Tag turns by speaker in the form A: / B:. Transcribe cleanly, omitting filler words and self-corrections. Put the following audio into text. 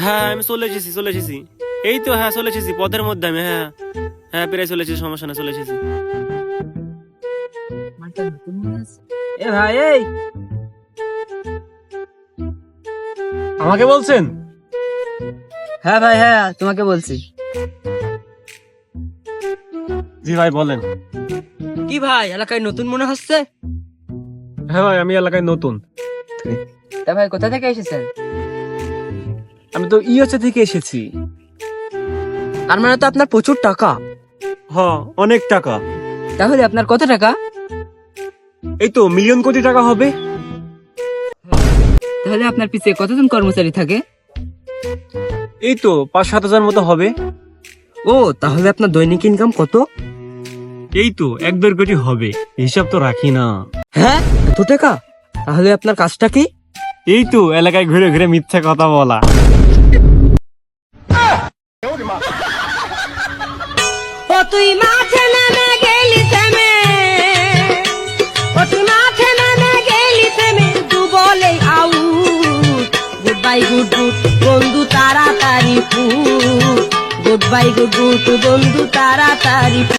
A: হ্যাঁ আমি চলে এসেছি। এই তো হ্যাঁ চলে এসেছি, পথের মধ্যে আমি। হ্যাঁ হ্যাঁ প্রায় চলে এসেছি, সমস্যা না, চলে এসেছি।
B: এ ভাই, এই
C: আমাকে বলছেন?
B: হ্যাঁ ভাই, হ্যাঁ তোমাকে বলছি।
C: জি ভাই বলেন।
B: কি ভাই, এলাকায় নতুন মনে হচ্ছে?
C: হ্যাঁ ভাই আমি এলাকায় নতুন।
B: তা ভাই কোথা থেকে এসেছেন?
C: আমি তো ইউএসএ থেকে এসেছি।
B: তার মানে তো আপনার প্রচুর টাকা।
C: হ্যাঁ অনেক টাকা।
B: তাহলে আপনার কত টাকা?
C: এই তো মিলিয়ন কোটি টাকা হবে।
B: তাহলে আপনার পিছে কতজন কর্মচারী থাকে?
C: এই তো 5-7 হাজার মতো হবে।
B: ও, তাহলে আপনার দৈনিক ইনকাম কত?
C: এই তো 1-2 কোটি হবে, হিসাব তো রাখি না।
B: হ্যাঁ, এত টাকা? তাহলে আপনার কাজটা কি?
C: এই তো এলাকায় ঘুরে ঘুরে মিথ্যা কথা বলা।
D: ও তুই মাঠে নেমে গেলি থেমে, ও তুই মাঠে নেমে গেলি থেমে, তু বলে out. Good bye good good বন্ধু তাড়াতাড়ি ফুট, গুড বাই গুড গুড বন্ধু তাড়াতাড়ি।